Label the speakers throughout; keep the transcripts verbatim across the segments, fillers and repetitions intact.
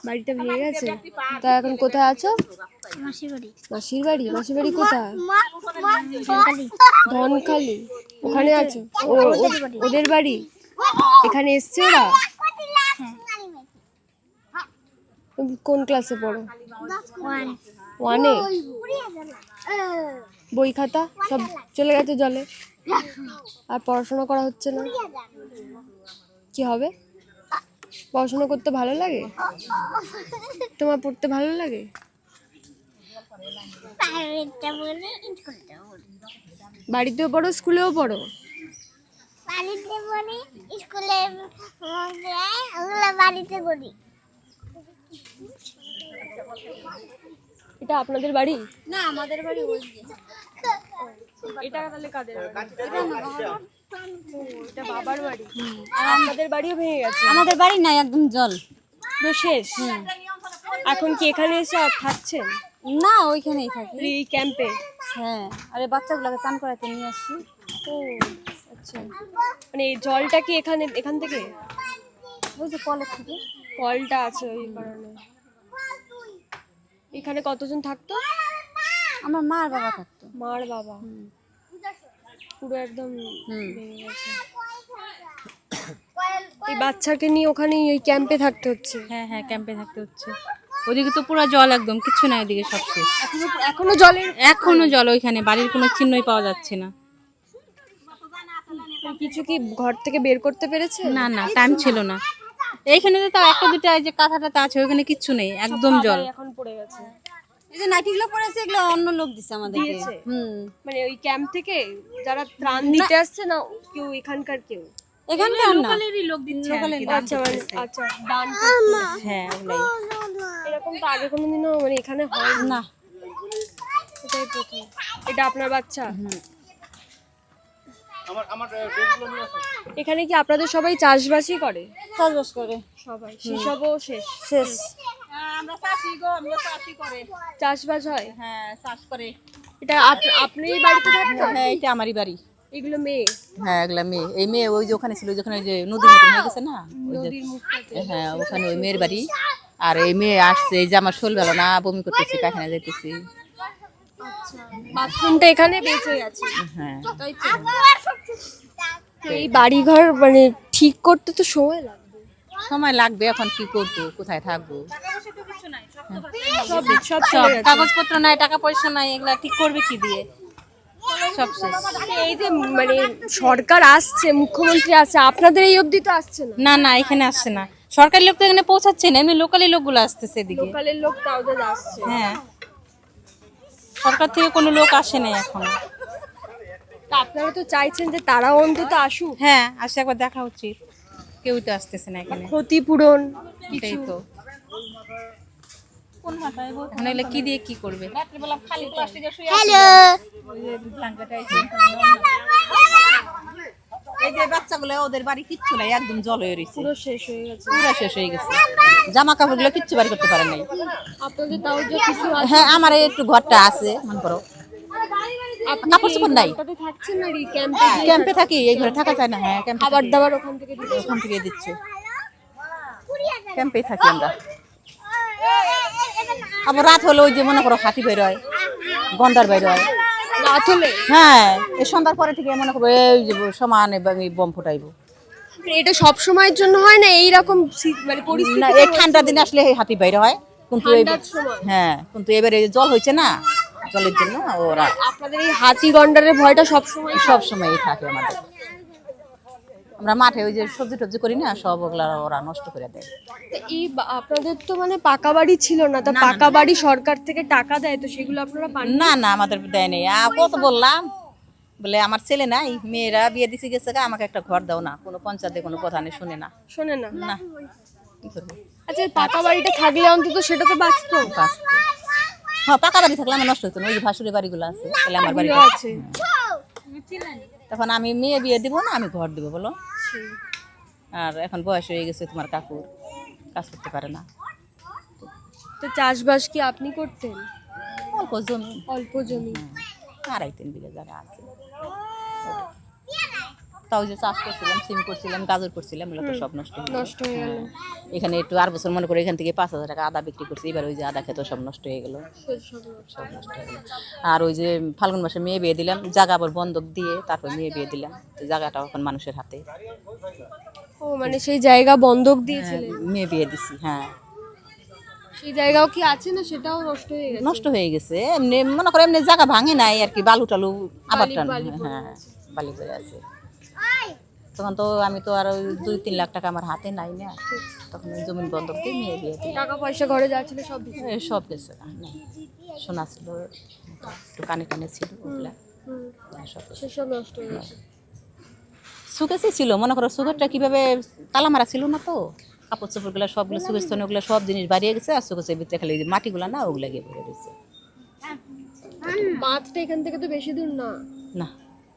Speaker 1: বাড়িটা ভেঙে গেছে। তা এখন কোথায় আছো?
Speaker 2: মাসির বাড়ি।
Speaker 1: মাসির বাড়ি? মাসির বাড়ি কোথায়? ধনখালি। ওখানে আছো? ওদের বাড়ি এখানে এসছে ওরা? কোন ক্লাসে পড়ো? ওয়ানে। বই খাতা সব চলে গেছে জলে, আর পড়াশোনা করা হচ্ছে না। কি হবে? পড়াশোনা করতে ভালো লাগে? তোমার পড়তে ভালো লাগে? বাড়িতেও পড়ো, স্কুলেও পড়ো?
Speaker 2: বাড়িতে পড়ি, স্কুলে বাড়িতে পড়ি।
Speaker 1: এটা আপনাদের বাড়ি?
Speaker 2: না, আমাদের বাড়ি ওই।
Speaker 1: এটা তাহলে কাদের বাড়ি? এটা বাবার বাড়ি। আর আপনাদের বাড়িও ভেঙে গেছে?
Speaker 3: আমাদের বাড়ি নাই, একদম জল
Speaker 1: পুরো শেষ। এখন কি এখানে এসে থাকছেন?
Speaker 3: না, ওইখানেই থাকি।
Speaker 1: এই ক্যাম্পে?
Speaker 3: হ্যাঁ, আরে বাচ্চাগুলোকে চান করাতে নিয়ে আসছি।
Speaker 1: ও আচ্ছা, মানে এই জলটা কি এখানে এখান থেকে?
Speaker 3: ওই যে কলের থেকে
Speaker 1: কলটা আছে ওই কারণে। এখানে কতজন থাকতো?
Speaker 3: আমার মা আর বাবা থাকতো।
Speaker 1: মার বাবা পুরো একদম ভেঙে গেছে। এই বাচ্চাকে নিয়ে ওখানে ওই ক্যাম্পে থাকতে হচ্ছে?
Speaker 3: হ্যাঁ হ্যাঁ, ক্যাম্পে থাকতে হচ্ছে। ওদিকে তো পুরো জল, একদম কিচ্ছু নাই ওদিকে, সব শেষ।
Speaker 1: এখনো এখনো জলের
Speaker 3: এখনো জল, ওইখানে বাড়ির কোনো চিহ্নই পাওয়া যাচ্ছে না।
Speaker 1: কিছু কি ঘর থেকে বের করতে পেরেছে?
Speaker 3: না না, টাইম ছিল না। এইখানে তো তাও একটা দুটো যে কাঁথাটাতে আছে, ওইখানে কিচ্ছু নেই, একদম জল।
Speaker 1: এখন পড়ে গেছে।
Speaker 3: এই যে নাইটিগুলো পড়েছে, এগুলো অন্য লোক দিছে আমাদেরকে।
Speaker 1: দিয়েছে?
Speaker 3: হুম,
Speaker 1: মানে ওই ক্যাম্প থেকে যারা ত্রাণ দিতে আসছে না কেউ এখানকার কেউ?
Speaker 3: এখানকার না,
Speaker 1: লোকালেরই লোক দিচ্ছে। আচ্ছা মানে আচ্ছা, দান
Speaker 3: হ্যাঁ ওগুলাই।
Speaker 1: এরকম তো আগে কোনোদিনও মানে এখানে হয়
Speaker 3: না।
Speaker 1: এটাই প্রথম। এটা আপনার বাচ্চা? এখানে কি আপনাদের সবাই চাষবাসই করে?
Speaker 3: চাষবাস করে
Speaker 1: সবাই? সেসবও শেষ?
Speaker 3: শেষ।
Speaker 4: আমরা চাষি গো, আমরা চাষি করে।
Speaker 1: চাষবাস হয়?
Speaker 4: হ্যাঁ, চাষ করে।
Speaker 1: এটা আপনি বাড়িতে থাকতেন?
Speaker 4: হ্যাঁ, এটা আমারই বাড়ি।
Speaker 1: এগুলো মেয়ে?
Speaker 4: হ্যাঁ, এগুলা মেয়ে। এই মেয়ে ওই যে ওখানে ছিল, যেখানে যে নদীর মতন হয়ে গেছে না, ওই যে,
Speaker 1: নদীর মুখটাতে?
Speaker 4: হ্যাঁ ওখানে ওই মেয়ের বাড়ি। আর এই মেয়ে আসছে, এই যে আমার শোল বেলা না, বমি করতেছি, পায়খানা যাইতেছি।
Speaker 1: বাথরুমটা এখানে বেঁচে গেছে?
Speaker 4: হ্যাঁ,
Speaker 1: তাই তো। এই বাড়িঘর মানে ঠিক করতে তো সময় লাগবে।
Speaker 4: সময় লাগবে। এখন কি করবো, কোথায় থাকবো?
Speaker 1: সব সব
Speaker 3: সব
Speaker 1: চলে গেছে।
Speaker 3: কাগজপত্র নাই, টাকা পয়সা নাই, এগুলা ঠিক করবে কি দিয়ে? সব শেষ।
Speaker 1: এই যে মানে সরকার আসছে, মুখ্যমন্ত্রী আসছে, আপনাদের এই অবধি তো আসছে না?
Speaker 3: না না, এখানে আসছে না। সরকারি লোক তো এখানে পৌঁছাচ্ছে না, এমনি লোকালি লোকগুলো আসতেছে এদিকে।
Speaker 1: লোকালের লোক তাও তো আসছে।
Speaker 3: হ্যাঁ, সরকার থেকে কোনো লোক আসে নাই এখনো।
Speaker 1: তা আপনারা তো চাইছেন যে তারাও অন্তত আসুক?
Speaker 3: হ্যাঁ, আসে একবার দেখা উচিত। কেউ তো আসতেছে না এখানে।
Speaker 1: ক্ষতিপূরণ
Speaker 3: এটাই তো। এখন এগুলো কি দিয়ে কি করবে?
Speaker 2: হ্যালো।
Speaker 4: এই যে বাচ্চাগুলো, ওদের বাড়ি কিচ্ছু নাই, একদম জল হয়ে রয়েছে,
Speaker 1: পুরো শেষ হয়ে গেছে।
Speaker 4: পুরো শেষ হয়ে গেছে। জামা কাপড় গুলো কিচ্ছু বাড়ি করতে পারে নাই।
Speaker 1: আপনাদের তাও যে কিছু আছে?
Speaker 4: হ্যাঁ, আমার এই একটু ঘরটা আছে, মনে করো। কাপড় চোপড় নাই।
Speaker 1: আপনাদের থাকছেন না এই ক্যাম্পে?
Speaker 4: ক্যাম্পে থাকি, এই ঘরে থাকা যায় না। হ্যাঁ, ক্যাম্পে
Speaker 1: খাবার দাবার ওখান থেকে দিচ্ছে?
Speaker 4: ওখান থেকে দিচ্ছে। ক্যাম্পে থাকি আমরা। আবার রাত হলে ওই যে মনে করো হাতি বের হয়, গন্ডার বের হয়।
Speaker 1: রাত হলে?
Speaker 4: হ্যাঁ, এই সন্ধ্যার পরে থেকে মনে করো এই যে সমানে বম ফুটাইবো।
Speaker 1: এটা সব সময়ের জন্য হয় না এইরকম মানে
Speaker 4: না,
Speaker 1: পরিস্থিতি?
Speaker 4: এই ঠান্ডা দিনে আসলে এই হাতি বের হয়, কিন্তু এই-
Speaker 1: ঠান্ডার সময়?
Speaker 4: হ্যাঁ, কিন্তু এবারে জল হয়েছে না, জলের জন্য ওরা
Speaker 1: আপনাদের এই হাতি গন্ডারের ভয়টা সব সময়?
Speaker 4: সব সময় থাকে আমাদের। আমরা মাঠে ওই যে সবজি টবজি করি না, সব ওগুলা ওরা নষ্ট করে দেয়।
Speaker 1: এই বা- আপনাদের তো মানে পাকা বাড়ি ছিল না, তা পাকা বাড়ি সরকার থেকে টাকা দেয়, তো সেগুলো আপনারা পান?
Speaker 4: না না, আমাদের দেয় নেই। আ, কত বললাম, বলে আমার ছেলে নাই, মেয়েরা বিয়ে দিছে গেছে গা, আমাকে একটা ঘর দাও না। কোনো পঞ্চায়েতে কোনো প্রধানে শুনে না।
Speaker 1: শোনে না?
Speaker 4: না, কি করবো?
Speaker 1: আচ্ছা, এই পাকা বাড়িটা থাকলে অন্তত সেটা তো বাঁচতো?
Speaker 4: বাঁচতে। হ্যাঁ, পাকা বাড়ি থাকলে আমার নষ্ট হতো না। ওই যে ভাসুরের বাড়িগুলো আছে, তাহলে আমার বাড়ি
Speaker 1: এগুলো আছে?
Speaker 4: তখন আমি মেয়ে বিয়ে দিব না, আমি ঘর দিব বলো। আর এখন বয়স হয়ে গেছে তোমার কাকুর, কাজ করতে পারে না।
Speaker 1: তো চাষবাস কি আপনি করতেন?
Speaker 4: অল্প জমি,
Speaker 1: অল্প জমি?
Speaker 4: আড়াই তিন বিঘা জায়গা আছে। তাও যে চাষ করছিলাম, সিম করছিলাম, গাজর করছিলাম, এগুলো তো সব নষ্ট হয়ে গেল।
Speaker 1: নষ্ট হয়ে গেল।
Speaker 4: এখানে একটু আর বছর মনে করে এখান থেকে পাঁচ হাজার টাকা আদা বিক্রি করছি, এবার ওই যে আদা খেতে সব নষ্ট হয়ে গেল, সব নষ্ট হয়ে গেল। আর ওই যে ফাল্গুন মাসে মেয়ে বিয়ে দিলাম, জায়গা আবার বন্ধক দিয়ে তারপর মেয়ে বিয়ে দিলাম, তো জায়গাটা এখন মানুষের হাতে।
Speaker 1: ও মানে সেই জায়গা বন্ধক দিয়েছিলেন?
Speaker 4: মেয়ে বিয়ে দিছি, হ্যাঁ।
Speaker 1: সেই জায়গাও কি আছে না সেটাও নষ্ট হয়ে গেছে?
Speaker 4: নষ্ট হয়ে গেছে, এমনি মনে করে এমনি জায়গা ভাঙে নাই আর কি, বালু টালু আবার টান,
Speaker 1: বালি পড়ে
Speaker 4: হ্যাঁ বালি পড়ে আছে। তখন তো আমি তো আর ওই দুই তিন লাখ টাকা আমার হাতে নাই না, তখন ওই জমিন বন্ধক দিয়ে মেয়ে বিয়ে দিই।
Speaker 1: টাকা পয়সা ঘরে যা ছিল সব দিয়েছে?
Speaker 4: এই সব গেছে, না সোনা ছিল একটু কানে কানে ছিল, ওগুলা
Speaker 1: হুম,
Speaker 4: সব গেছে।
Speaker 1: সেসব নষ্ট হয়ে গেছে।
Speaker 4: সুকেসই ছিল, মনে করো সুগারটা কিভাবে তালা মারা ছিল না, তো কাপড় চোপড়গুলো সবগুলো সুকেশ ওগুলো সব জিনিস বাড়িয়ে গেছে, আর সুকেশের ভিতরে খালি যে মাটিগুলো না ওগুলো গিয়ে পড়ে গেছে।
Speaker 1: বাঁধটা এখান থেকে তো বেশি দূর না।
Speaker 4: না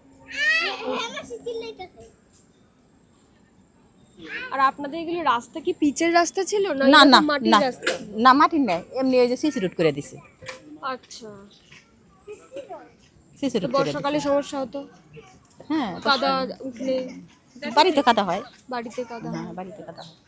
Speaker 1: আর আপনাদের এগুলো রাস্তা কি পিচের রাস্তা ছিল না
Speaker 4: না
Speaker 1: এরকম
Speaker 4: না
Speaker 1: মাটির
Speaker 4: না
Speaker 1: রাস্তা?
Speaker 4: না মাটির নেই, এমনি ওই যে সিসি রোড করে দিছে,
Speaker 1: আচ্ছা,
Speaker 4: সিসি
Speaker 1: তো
Speaker 4: রোড করে দিছে।
Speaker 1: বর্ষাকালে সমস্যা হতো,
Speaker 4: হ্যাঁ
Speaker 1: কাদা উঠলে
Speaker 4: বাড়িতে কাদা হয়,
Speaker 1: বাড়িতে কাদা?
Speaker 4: হ্যাঁ বাড়িতে কাদা হয়।